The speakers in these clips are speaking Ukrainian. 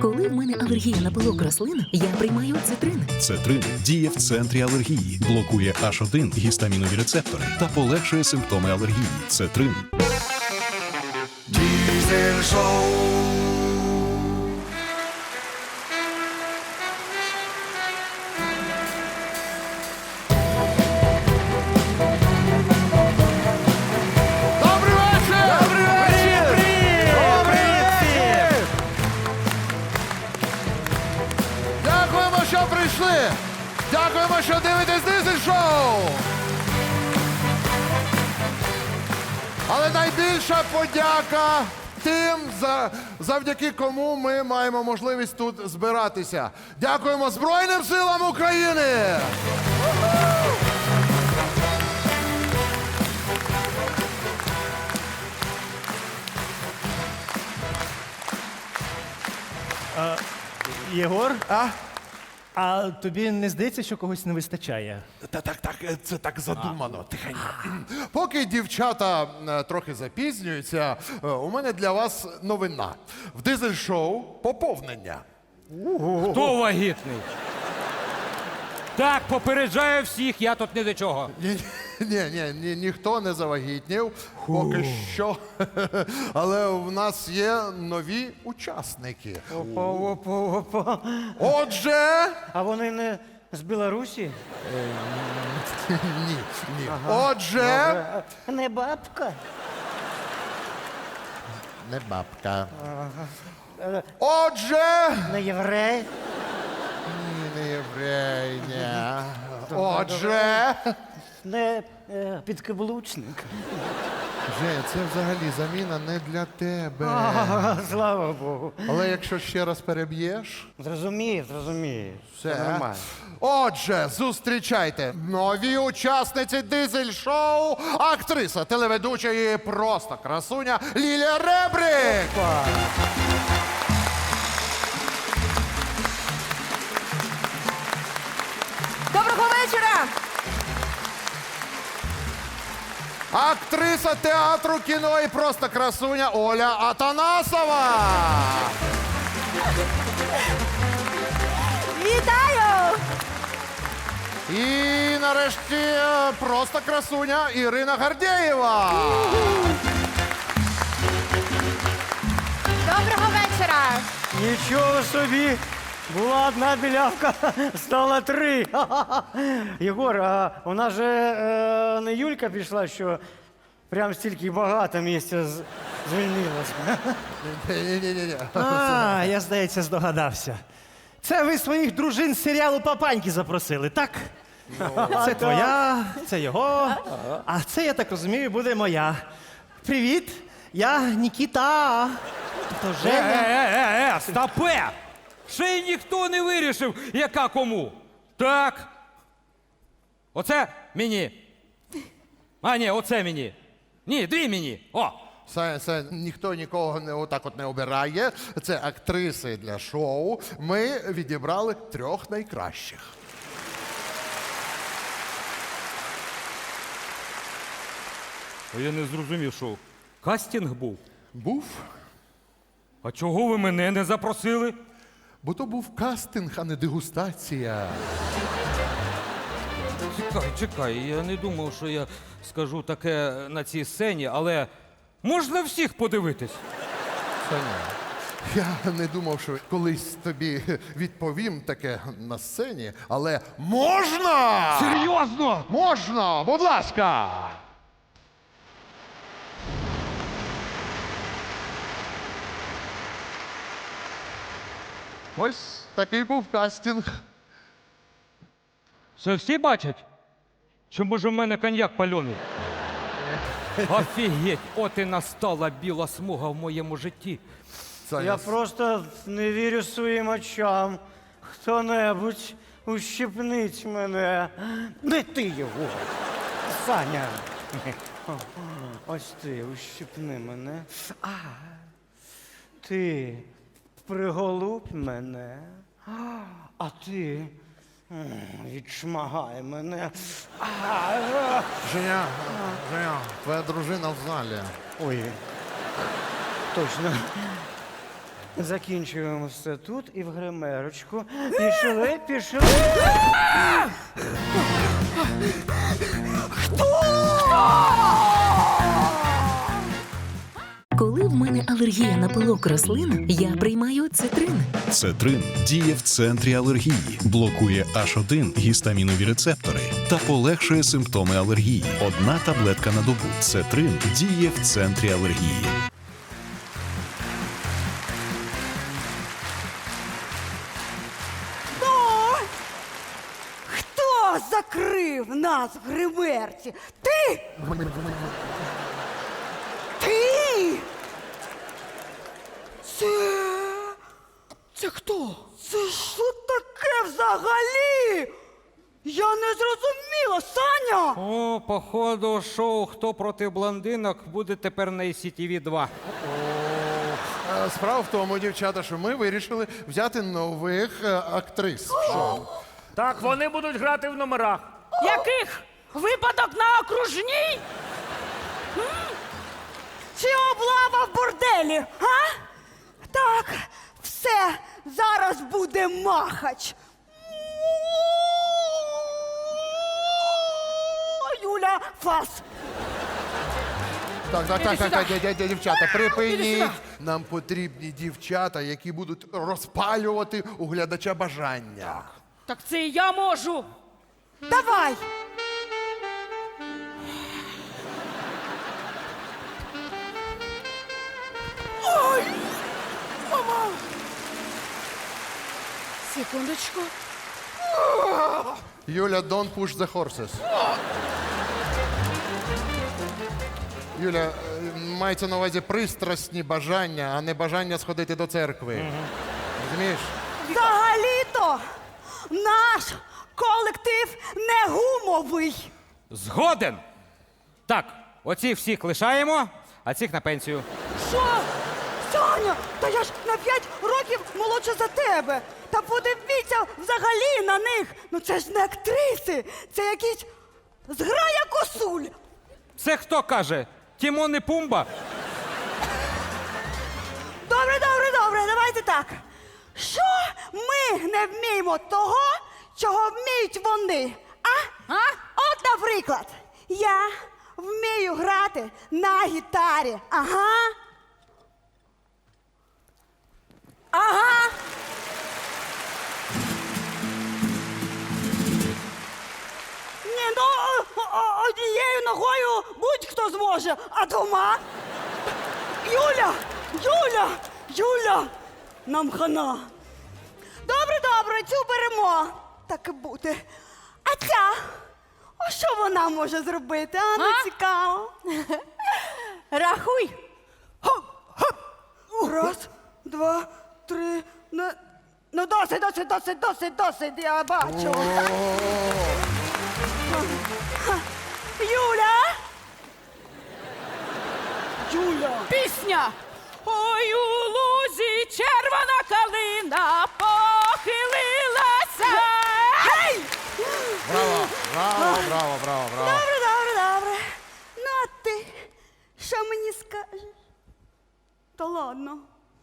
Коли в мене алергія на пилок рослин, я приймаю цитрин. Цетрин діє в центрі алергії, блокує H1 гістамінові рецептори та полегшує симптоми алергії. Цетрин. Diesel Show. Добрий вечір! Добрий вечір! Привіт всім! Дякуємо, що прийшли! Дякуємо, що дивитесь Diesel Show! Але найбільша подяка тим, завдяки кому ми маємо можливість тут збиратися. Дякуємо Збройним силам України! Єгор, А? а тобі не здається, що когось не вистачає? Так, це так задумано, тихенько. Поки дівчата трохи запізнюються, у мене для вас новина. В дизель-шоу поповнення. Хто вагітний? Так, попереджаю всіх, я тут ні до чого. Ні, ніхто не завагітнів, поки що. Але в нас є нові учасники. Опа. Отже, А вони не з Білорусі? ні. Отже, Не бабка. не бабка. Отже, Не єврей. не єврей, ні. Отже, Не підкаблучник. Женя, це взагалі заміна не для тебе. Слава Богу. Але якщо ще раз переб'єш, Зрозумів. все. Це нормально. Отже, зустрічайте нові учасниці дизель-шоу, актриса, телеведуча і просто красуня Лілія Ребрик. Доброго вечора! Актриса театру, кіно і просто красуня Оля Атанасова. Вітаю! І нарешті просто красуня Ірина Гордєєва. Доброго вечора! Нічого собі. Була одна білявка, стала 3. Єгор, а у нас же не Юлька пішла, що прям стільки багато місця звільнилось. Ні. А, я, здається, здогадався. Це ви своїх дружин з серіалу «Папаньки» запросили, так? Це твоя, це його, а це, я так розумію, буде моя. Привіт, я Нікіта. Тобто Женя. Стопе! Ще й ніхто не вирішив, яка кому. Так. Оце мені. А, ні, оце мені. Ні, 2 мені. О! Це ніхто нікого отак от не обирає. Це актриси для шоу. Ми відібрали 3 найкращих. Я не зрозумів, що кастинг був. Був? А чого ви мене не запросили? Бо то був кастинг, а не дегустація. Чекай, я не думав, що я скажу таке на цій сцені, але можна всіх подивитись? Саня, я не думав, що колись тобі відповім таке на сцені, але можна! Серйозно? Можна! Будь ласка! Ось такий був кастинг. Це всі бачать? Чи може в мене коньяк пальоний? Офігеть, от і настала біла смуга в моєму житті. Саня, Я просто не вірю своїм очам. Хто-небудь ущипніть мене. Не ти його. Саня. Ось ти, ущипни мене. Ти приголубь мене. А ти відшмагай мене. Женя, твоя дружина в залі. Ой. Точно. Закінчуємо все тут і в гримерочку. Пішли. Коли в мене алергія на пилок рослин, я приймаю цитрин. Цетрин діє в центрі алергії, блокує H1 гістамінові рецептори та полегшує симптоми алергії. Одна таблетка на добу. Цетрин діє в центрі алергії. Хто закрив нас в гримерці? Ти? Ти? Це хто? Це що таке взагалі? Я не зрозуміла, Саня! О, походу, шоу «Хто проти блондинок» буде тепер на ICTV 2. Справа в тому, дівчата, що ми вирішили взяти нових актрис в шоу. Так, вони будуть грати в номерах. Яких? Випадок на окружній? Чи облава в борделі, а? Так, все, зараз буде махач. Юля, фас. Так, дівчата, припиніть. Нам потрібні дівчата, які будуть розпалювати у глядача бажання. Так це і я можу. Давай. Ой, мама. Секундочку. Юля, don't push the horses. Юля, мається на увазі пристрасні бажання, а не бажання сходити до церкви. Розумієш? Взагалі-то наш колектив не гумовий. Згоден! Так, оці всіх лишаємо, а цих на пенсію. Що? Саня, та я ж на 5 років молодша за тебе. Та подивіться взагалі на них. Ну це ж не актриси, це якісь зграя косуль. Це хто каже? Тімон і Пумба? Добре, давайте так. Що ми не вміємо того, чого вміють вони? А? От, наприклад, я вмію грати на гітарі. Ага. Ні, ну однією ногою будь-хто зможе, а двома? Юля, нам хана. Добре, цю беремо. Так і буде. А ця? А що вона може зробити? А, не цікаво. Рахуй. Хоп. Раз, два, три. Ну, досить, я бачу. Юля! Пісня! Ой, у лузі червона калина похилилася. Гей! Браво. Добре. Ну, а ти що мені скажеш? Та ладно.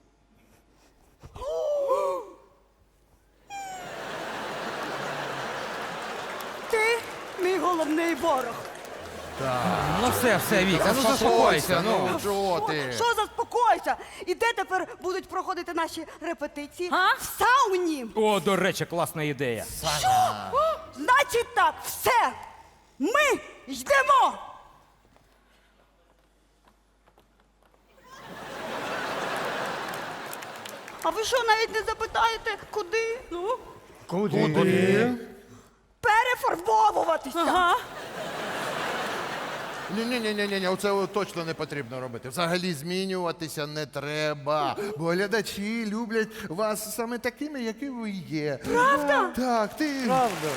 Ти мій головний ворог. Ну все, Віка, ну заспокойся. Ну. Чого ти? Що заспокойся? І де тепер будуть проходити наші репетиції? В сауні. О, до речі, класна ідея. Значить так, все. Ми йдемо. А ви що, навіть не запитаєте, куди? Ну? Куди? Перефарбовуватися. Ага. Ні, оце точно не потрібно робити. Взагалі змінюватися не треба. Бо глядачі люблять вас саме такими, які ви є. Правда? Так, ти. Правда.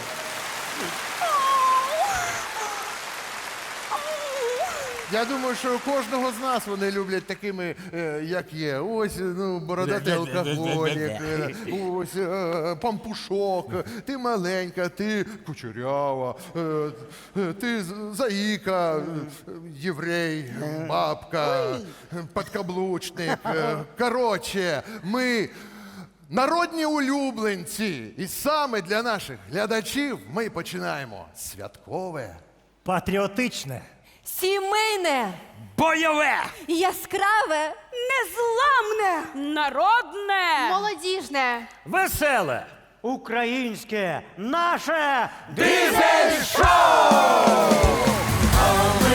Я думаю, що кожного з нас вони люблять такими, як є. Ось, ну, бородатий алкоголік, ось пампушок, ти маленька, ти кучерява, ти заїка, єврей, бабка, подкаблучник. Коротше, ми народні улюбленці. І саме для наших глядачів ми починаємо святкове. Патріотичне. Сімейне, Бойове! яскраве, Незламне! народне, молодіжне. Веселе! Українське, наше Дизель-шоу!